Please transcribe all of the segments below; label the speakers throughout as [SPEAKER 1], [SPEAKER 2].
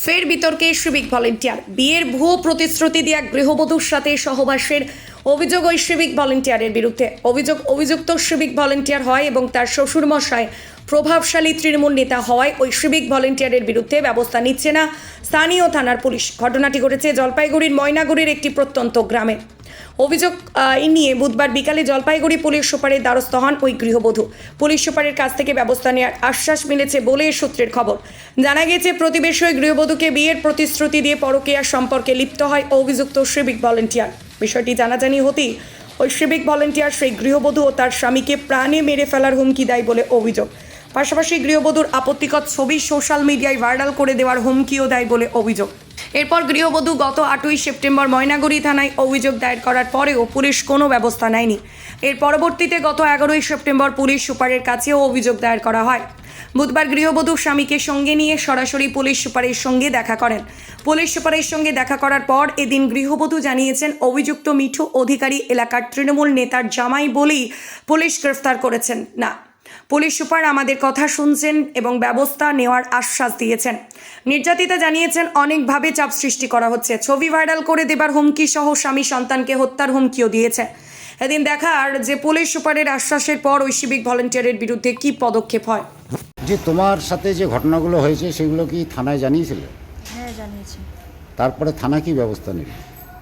[SPEAKER 1] ফের বিতর্কে civic volunteer. বিয়ের ভুয়ো প্রতিশ্রুতি দিয়ে এক গৃহবধূর সাথে সহবাসের অভিযোগ ওই সিভিক ভলেন্টিয়ারের বিরুদ্ধে। অভিযুক্ত সিভিক ভলেন্টিয়ার হয় এবং তার শ্বশুরমশাই প্রভাবশালী তৃণমূল নেতা হওয়ায় ওই সিভিক ভলেন্টিয়ারের বিরুদ্ধে ব্যবস্থা নিচ্ছে না স্থানীয় থানার পুলিশ। ঘটনাটি ঘটেছে জলপাইগুড়ির ময়নাগুড়ির একটি প্রত্যন্ত গ্রামে। অভিযোগ নিয়ে বুধবার বিকালে জলপাইগুড়ি পুলিশ সুপারের দ্বারস্থ হন ওই গৃহবধূ। পুলিশ সুপারের কাছ থেকে ব্যবস্থা নেওয়ার আশ্বাস মিলেছে বলে সূত্রের খবর। জানা গেছে, প্রতিবেশী ওই গৃহবধূকে বিয়ের প্রতিশ্রুতি দিয়ে পরকীয়ার সম্পর্কে লিপ্ত হয় অভিযুক্ত সিভিক ভলেন্টিয়ার। বিষয়টি জানাজানি হতেই ওই সিভিক ভলেন্টিয়ার সেই গৃহবধূ ও তার স্বামীকে প্রাণে মেরে ফেলার হুমকি দেয় বলে অভিযোগ। পাশাপাশি গৃহবধূর আপত্তিকর ছবি সোশ্যাল মিডিয়ায় ভাইরাল করে দেওয়ার হুমকিও দেয় বলে অভিযোগ। এরপর গৃহবধূ গত 8ই সেপ্টেম্বর ময়নাগুড়ি থানায় অভিযোগ দায়ের করার পরেও পুলিশ কোনো ব্যবস্থা নেয়নি। এর পরবর্তীতে গত 11ই সেপ্টেম্বর পুলিশ সুপারের কাছেও অভিযোগ দায়ের করা হয়। বুধবার গৃহবধূ স্বামীকে সঙ্গে নিয়ে সরাসরি পুলিশ সুপারের সঙ্গে দেখা করেন। পুলিশ সুপারের সঙ্গে দেখা করার পর এদিন গৃহবধূ জানিয়েছেন, অভিযুক্ত মিঠু অধিকারী এলাকার তৃণমূল নেতার জামাই বলেই পুলিশ গ্রেফতার করেছেন না। পুলিশ সুপার আমাদের কথা শুনছেন এবং ব্যবস্থা নেওয়ার আশ্বাস দিয়েছেন। নির্যাতিতা জানিয়েছেন, অনেকভাবে চাপ সৃষ্টি করা হচ্ছে, ছবি ভাইরাল করে দেবার হুমকি সহ স্বামী সন্তানকে হত্যার হুমকিও দিয়েছে। এদিন দেখার যে পুলিশ সুপারের আশ্বাসের পর ওই সিভিক ভলেন্টিয়ারের বিরুদ্ধে কি পদক্ষেপ হয়।
[SPEAKER 2] যে তোমার সাথে যে ঘটনাগুলো হয়েছে সেগুলো কি থানায় জানিয়েছিলে?
[SPEAKER 3] হ্যাঁ, জানিয়েছি।
[SPEAKER 2] তারপরে থানা কি ব্যবস্থা নেবে?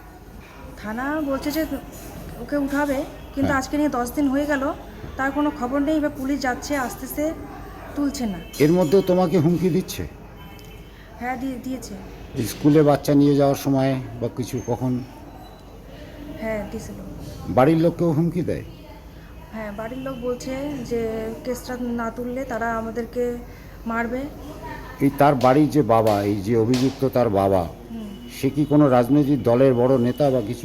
[SPEAKER 3] থানা বলছে যে ওকে উঠাবে, কিন্তু আজকে নিয়ে 10 দিন হয়ে গেল, তার কোনো খবর নেই। এবার পুলিশ যাচ্ছে, আসতেছে, তুলছে না।
[SPEAKER 2] এর মধ্যেও তোমাকে হুমকি দিচ্ছে?
[SPEAKER 3] হ্যাঁ, দিয়েছে।
[SPEAKER 2] স্কুলে বাচ্চা নিয়ে যাওয়ার সময় বা কিছু কখন?
[SPEAKER 3] হ্যাঁ, দিয়েছিল।
[SPEAKER 2] বাড়ির লোককেও হুমকি দেয়?
[SPEAKER 3] হ্যাঁ, বাড়ির লোক বলছে যে কেসটা না তুললে তারা আমাদেরকে মারবে।
[SPEAKER 2] এই তার বাড়ির যে বাবা, এই যে অভিযুক্ত তার বাবা, সে কি কোনো রাজনৈতিক দলের বড় নেতা বা কিছু?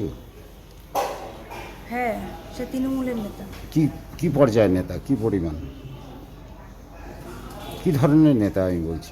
[SPEAKER 3] হ্যাঁ, সে তৃণমূলের নেতা।
[SPEAKER 2] কি পর্যায়ের নেতা, কি পরিমাণ, কি ধরনের নেতা আমি বলছি?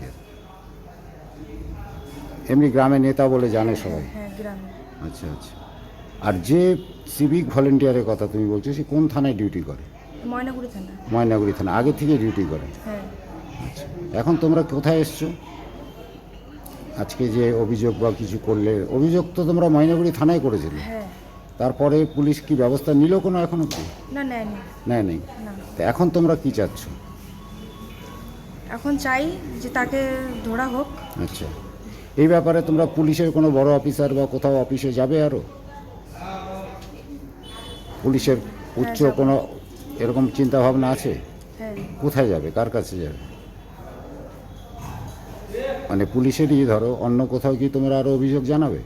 [SPEAKER 2] এমনি গ্রামে নেতা বলে জানে সবাই?
[SPEAKER 3] হ্যাঁ, গ্রামে।
[SPEAKER 2] আচ্ছা আচ্ছা। আর যে সিভিক ভলেন্টিয়ারের কথা তুমি বলছো, সে কোন থানায় ডিউটি করে?
[SPEAKER 3] ময়নাগুড়ি থানা।
[SPEAKER 2] ময়নাগুড়ি থানা আগে থেকে ডিউটি করে?
[SPEAKER 3] হ্যাঁ।
[SPEAKER 2] আচ্ছা, এখন তোমরা কোথায় এসছো? আজকে যে অভিযোগ বা কিছু করলে, অভিযোগ তো তোমরা ময়নাগুড়ি থানায় করেছিলে।
[SPEAKER 3] হ্যাঁ।
[SPEAKER 2] তারপরে পুলিশ কি ব্যবস্থা নিল কোনো এখনো? কি
[SPEAKER 3] না, নেয়নি।
[SPEAKER 2] নেই।
[SPEAKER 3] না।
[SPEAKER 2] তো এখন তোমরা কি চাচ্ছ?
[SPEAKER 3] এখন চাই যে তাকে ধরা হোক।
[SPEAKER 2] আচ্ছা, এই ব্যাপারে তোমরা পুলিশের কোনো বড় অফিসার বা কোথাও অফিসে যাবে? আরও পুলিশের উচ্চ কোনো এরকম চিন্তা ভাবনা আছে?
[SPEAKER 3] হ্যাঁ।
[SPEAKER 2] কোথায় যাবে, কার কাছে যাবে? মানে পুলিশেরই ধরো, অন্য কোথাও কি তোমরা আরও অভিযোগ জানাবে?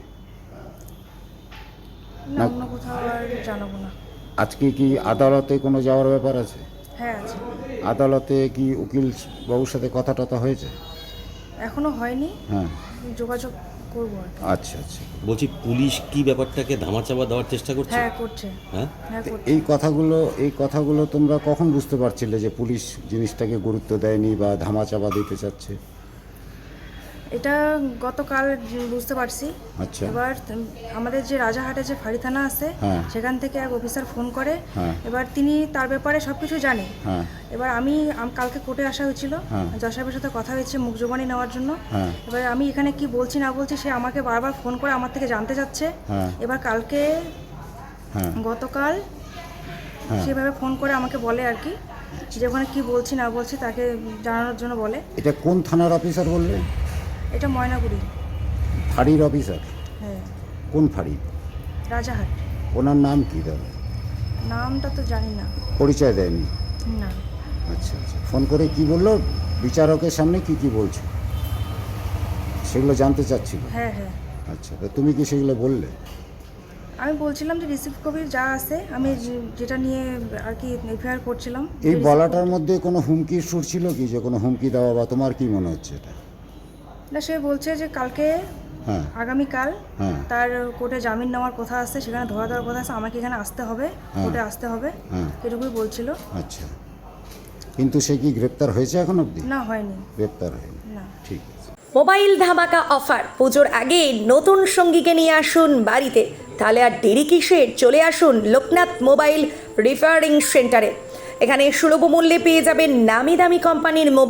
[SPEAKER 3] না, অন্য কোথাও আর জানাবো না।
[SPEAKER 2] আজকে কি আদালতে কোনো যাওয়ার ব্যাপার আছে?
[SPEAKER 3] হ্যাঁ, আছে।
[SPEAKER 2] আদালতে কি উকিল বাবুর সাথে কথা টথা হয়েছে?
[SPEAKER 3] এখনো হয়নি।
[SPEAKER 2] হ্যাঁ,
[SPEAKER 3] যোগাযোগ করবো আর কি।
[SPEAKER 2] আচ্ছা আচ্ছা।
[SPEAKER 4] বলছি, পুলিশ কি ব্যাপারটাকে ধামাচাপা দেওয়ার চেষ্টা করছে?
[SPEAKER 3] হ্যাঁ, করছে।
[SPEAKER 4] হ্যাঁ,
[SPEAKER 3] করছে।
[SPEAKER 2] এই কথাগুলো তোমরা কখন বুঝতে পারছিলে যে পুলিশ জিনিসটাকে গুরুত্ব দেয়নি বা ধামাচাপা দিতে চাচ্ছে?
[SPEAKER 3] এটা গতকাল বুঝতে পারছি।
[SPEAKER 2] আচ্ছা।
[SPEAKER 3] এবার আমাদের যে রাজাহাটে যে ফাঁড়ি থানা আছে,
[SPEAKER 2] হ্যাঁ।
[SPEAKER 3] সেখান থেকে এক অফিসার ফোন করে।
[SPEAKER 2] হ্যাঁ।
[SPEAKER 3] এবার তিনি তার ব্যাপারে সব কিছু জানে।
[SPEAKER 2] হ্যাঁ।
[SPEAKER 3] এবার আমি কালকে কোর্টে আসা হয়েছিল,
[SPEAKER 2] হ্যাঁ।
[SPEAKER 3] জজ সাহেবের সাথে কথা হয়েছে মুখ জবানি নেওয়ার জন্য।
[SPEAKER 2] হ্যাঁ।
[SPEAKER 3] এবার আমি এখানে কি বলছি না বলছি সে আমাকে বারবার ফোন করে আমার থেকে জানতে চাচ্ছে।
[SPEAKER 2] হ্যাঁ।
[SPEAKER 3] এবার কালকে
[SPEAKER 2] হ্যাঁ।
[SPEAKER 3] গতকাল
[SPEAKER 2] হ্যাঁ।
[SPEAKER 3] সেভাবে ফোন করে আমাকে বলে আর কি, যে ওখানে কী বলছি না বলছি তাকে জানানোর জন্য বলে।
[SPEAKER 2] এটা কোন থানার অফিসার বললে?
[SPEAKER 3] এটা ময়নাগুড়ি
[SPEAKER 2] ফাঁড়ির অফিসার?
[SPEAKER 3] হ্যাঁ।
[SPEAKER 2] কোন ফাঁড়ি?
[SPEAKER 3] রাজাহাট।
[SPEAKER 2] ওনার নাম কি দাদা?
[SPEAKER 3] নামটা তো জানি না।
[SPEAKER 2] পরিচয় দেয়নি?
[SPEAKER 3] না।
[SPEAKER 2] আচ্ছা আচ্ছা। ফোন করে কি বললো? বিচারকের সামনে কি বলছো সেগুলো জানতে চাচ্ছিল?
[SPEAKER 3] হ্যাঁ হ্যাঁ।
[SPEAKER 2] আচ্ছা, তা তুমি কি সেগুলো বললে?
[SPEAKER 3] আমি বলছিলাম যে রিসিভ কপির যা আছে আমি যেটা নিয়ে আর কি এফআইআর করছিলাম।
[SPEAKER 2] এই বলাটার মধ্যে কোনো হুমকির সুর ছিল কি, যে কোনো হুমকি দেওয়া, বা তোমার কি মনে হচ্ছে এটা?
[SPEAKER 3] না, সে বলছে যে কালকে
[SPEAKER 2] হ্যাঁ।
[SPEAKER 3] আগামীকাল
[SPEAKER 2] হ্যাঁ।
[SPEAKER 3] তার কোর্টে জামিন নেওয়ার কথা আছে, সেখানে ধরা দেওয়ার কথা আছে, আমাকে এখানে আসতে হবে, কোর্টে আসতে হবে, এটুকুই বলছিল।
[SPEAKER 2] আচ্ছা, কিন্তু সে কি গ্রেপ্তার হয়েছে এখন অবধি?
[SPEAKER 3] না, হয়নি।
[SPEAKER 2] গ্রেপ্তার হয়নি?
[SPEAKER 3] না।
[SPEAKER 2] ঠিক আছে।
[SPEAKER 1] মোবাইল ধামাকা অফার, পুজোর আগে নতুন সঙ্গীকে নিয়ে আসুন বাড়িতে, তাহলে আর দেরি কিসের? চলে আসুন লোকনাথ মোবাইল রিপেয়ারিং সেন্টারে। এখানে সুলভ মূল্যে পেয়ে যাবেন নামি দামি কোম্পানির মোবাইল,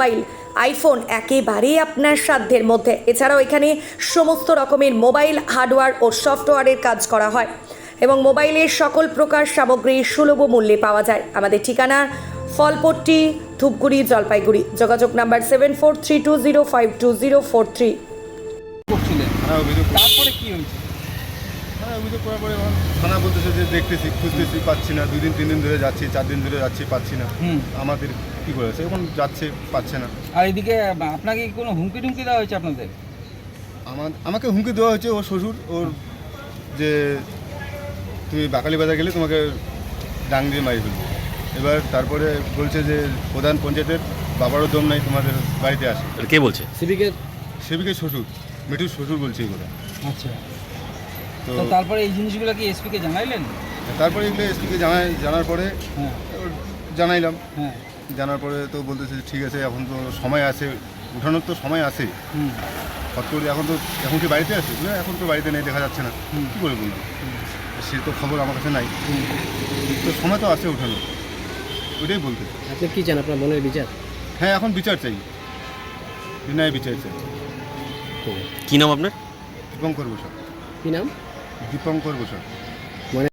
[SPEAKER 1] আইফোন একেবারেই আপনার সাধ্যের মধ্যে। এছাড়াও এখানে সমস্ত রকমের মোবাইল হার্ডওয়্যার ও সফটওয়্যারের কাজ করা হয় এবং মোবাইলের সকল প্রকার সামগ্রী সুলভ মূল্যে পাওয়া যায়। আমাদের ঠিকানা ফলপট্টি, ধূপগুড়ি, জলপাইগুড়ি। যোগাযোগ নাম্বার 7432052043।
[SPEAKER 5] করছিলেন,
[SPEAKER 6] থানায় অভিযোগ
[SPEAKER 5] তারপরে কি হয়েছে?
[SPEAKER 6] থানায় অভিযোগ করার পরে এখন থানা বলতেছে যে দেখতেছি খুঁজতেছি পাচ্ছি না, 2 দিন 3 দিন ধরে যাচ্ছি, 4 দিন ধরে যাচ্ছি পাচ্ছি না। আমাদের কী করেছে এখন যাচ্ছে পাচ্ছে না।
[SPEAKER 5] আর এদিকে আপনাকে কি কোনো হুমকি টুমকি দেওয়া হয়েছে আপনাদের?
[SPEAKER 6] আমাকে হুমকি দেওয়া হয়েছে ওর শ্বশুর, ওর যে তুমি বাকালি বাজার গেলে তোমাকে ডাং দিয়ে মারি ফেলবো। এবার তারপরে বলছে যে প্রধান পঞ্চায়েতের বাবারও দম নাই তোমাদের বাড়িতে আসে।
[SPEAKER 4] কে বলছে?
[SPEAKER 6] সেবিকের শ্বশুর, মিঠুর শ্বশুর বলছে এগুলো।
[SPEAKER 5] আচ্ছা,
[SPEAKER 6] তো
[SPEAKER 5] তো তারপরে এই জিনিসগুলো কি এসপিকে জানাইলেন?
[SPEAKER 6] তারপরে এগুলো এসপিকে জানার পরে
[SPEAKER 5] হ্যাঁ
[SPEAKER 6] জানাইলাম।
[SPEAKER 5] হ্যাঁ।
[SPEAKER 6] জানার পরে তো বলতেছে ঠিক আছে, এখন তো সময় আছে, উঠানোর তো সময় আছে। হট করে এখন কি বাড়িতে আছে? না, এখন তো বাড়িতে নেই, দেখা যাচ্ছে না। কী করে বলবো? সে তো খবর আমার কাছে নাই, তো সময় তো আছে উঠানো, ওইটাই বলতে।
[SPEAKER 7] আপনি কি চান, আপনার মনের বিচার?
[SPEAKER 6] হ্যাঁ, এখন বিচার চাই, বিনয় বিচার চাই।
[SPEAKER 4] কি নাম আপনার?
[SPEAKER 6] দীপঙ্কর বসা।
[SPEAKER 7] কি নাম?
[SPEAKER 6] দীপঙ্কর বসা।